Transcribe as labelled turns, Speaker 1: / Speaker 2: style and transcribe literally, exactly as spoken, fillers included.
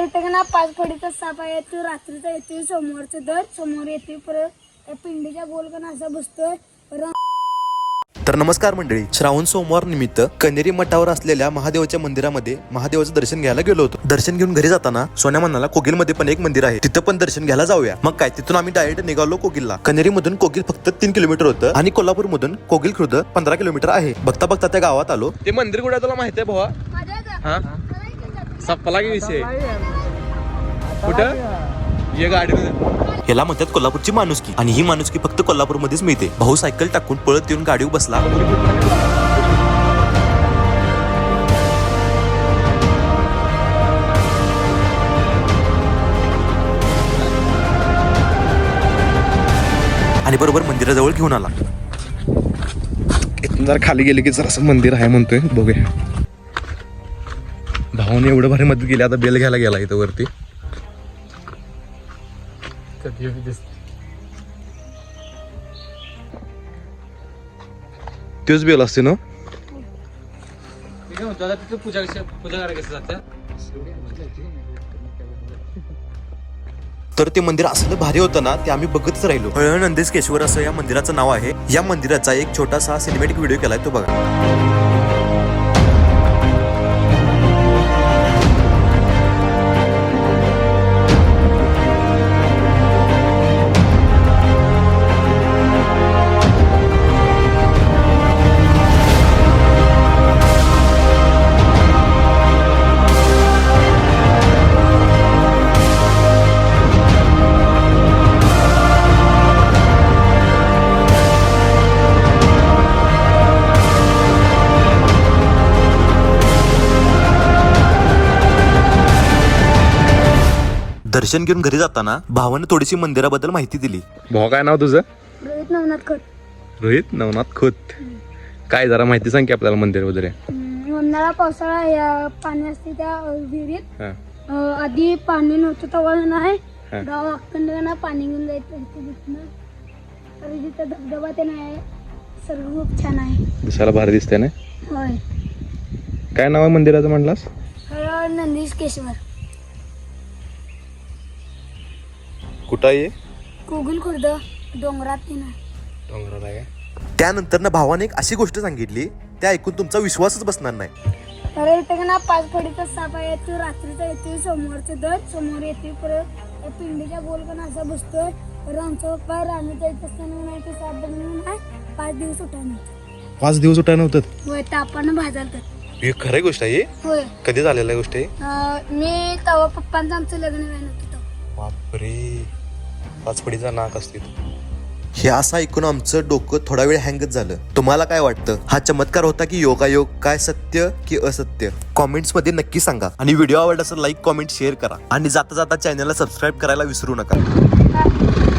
Speaker 1: अरे इथे ना पाच फडीचा साप आहे. तो रात्रीचा येतोय, समोरचं दर समोर येतोय, परत त्या पिंडीच्या गोलकन असा बसतोय.
Speaker 2: तर नमस्कार मंडळी, श्रावण सोमवार निमित्त कनेरी मठावर असलेल्या महादेवाच्या मंदिरामध्ये महादेवाचं दर्शन घ्यायला गेलो होतो. दर्शन घेऊन घरी जाताना सोन्या म्हणाला कोगिल मध्ये पण एक मंदिर आहे, तिथं पण दर्शन घ्यायला जाऊया. मग काय, तिथून आम्ही डायरेक्ट निघालो कोगिलला. कनेरी मधून कोगिल फक्त तीन किलोमीटर होतं आणि कोल्हापूर मधून कोगिल खुर्द पंधरा किलोमीटर आहे. बघता बघता त्या गावात आलो.
Speaker 3: ते मंदिर कुठे तुला माहिती आहे भावा? हा सपला की विषय कुठं ये गाडी
Speaker 2: याला म्हणतात कोल्हापूरची माणुसकी, आणि ही माणुसकी फक्त कोल्हापूर मध्येच मिळते. भाऊ सायकल टाकून पळत येऊन गाडीवर बसला. आणि बरोबर मंदिराजवळ घेऊन आला.
Speaker 3: इथून जरा खाली गेले की जरा असं मंदिर आहे म्हणतोय, बघूया. भावाने एवढं भारी मदत केली, आता बेल घ्यायला गेला इथं वरती. तोच बेल असते ना.
Speaker 4: पूजा पूजा करायला कसं जातं.
Speaker 2: तर ते मंदिर असलं भारी होतं ना, ते आम्ही बघतच राहिलो. हळनंदेशकेश्वर असं या मंदिराचं नाव आहे. या मंदिराचा एक छोटासा सिनेमॅटिक व्हिडिओ केलाय, तो बघा. दर्शन घेऊन घरी जाताना भावाने थोडीशी मंदिराबद्दल माहिती दिली.
Speaker 3: भावा काय नाव तुझं?
Speaker 1: रोहित नवनाथ खोत.
Speaker 3: रोहित नवनाथ खोत. काय जरा माहिती सांग की आपल्याला मंदिर वगैरे.
Speaker 1: उन्हाळा पावसाळा या पाणी असते त्या विहिरीत.
Speaker 3: हा
Speaker 1: अं, आधी पाणी नव्हतं तेव्हा नाही
Speaker 3: हा.
Speaker 1: गाव अखंड पाणी घेऊन जायचं तिथनं. तर तिथं धबधबा ते नाही, सर्व खूप छान आहे.
Speaker 3: दिसायला भारी दिसते ना.
Speaker 1: होय.
Speaker 3: काय नाव आहे मंदिराचं म्हणलास?
Speaker 1: हळनंदेशकेश्वर
Speaker 3: कुठं आहे?
Speaker 1: कोगिल खुर्द डोंगरात ते नाही.
Speaker 3: डोंगराला आहे.
Speaker 2: त्यानंतर ना भावाने एक अशी गोष्ट सांगितली, त्या ऐकून तुमचा विश्वासच बसणार नाही.
Speaker 1: अरे इथे ना पाच फडीचा साप आहे. तो रात्रीचा येतोय, समोरचं दर समोर येतोय, परत त्या पिंडीच्या गोलकन असा बसतोय. तर आमचं पप्पा राणी जायचं असताना नाही ते साप बनवून नाही पाच दिवस उठा नव्हतं.
Speaker 3: पाच दिवस उठाय नव्हतं.
Speaker 1: होय, तापानं भाजाल तर.
Speaker 3: हे खरं गोष्ट आहे.
Speaker 1: होय.
Speaker 3: कधी झालेलं गोष्ट आहे?
Speaker 1: अं, मी तेव्हा पप्पांचं आमचं लग्न व्हायला नव्हतं.
Speaker 3: बापरे, पाचपडीचा नाक असते.
Speaker 2: हे असं ऐकून आमचं डोकं थोडा वेळ हँगच झालं. तुम्हाला काय वाटतं, हा चमत्कार होता की योगायोग, काय सत्य की असत्य? कॉमेंट्स मध्ये नक्की सांगा. आणि व्हिडिओ आवडला असेल लाईक कॉमेंट शेअर करा. आणि जाता जाता चॅनलला सबस्क्राईब करायला विसरू नका.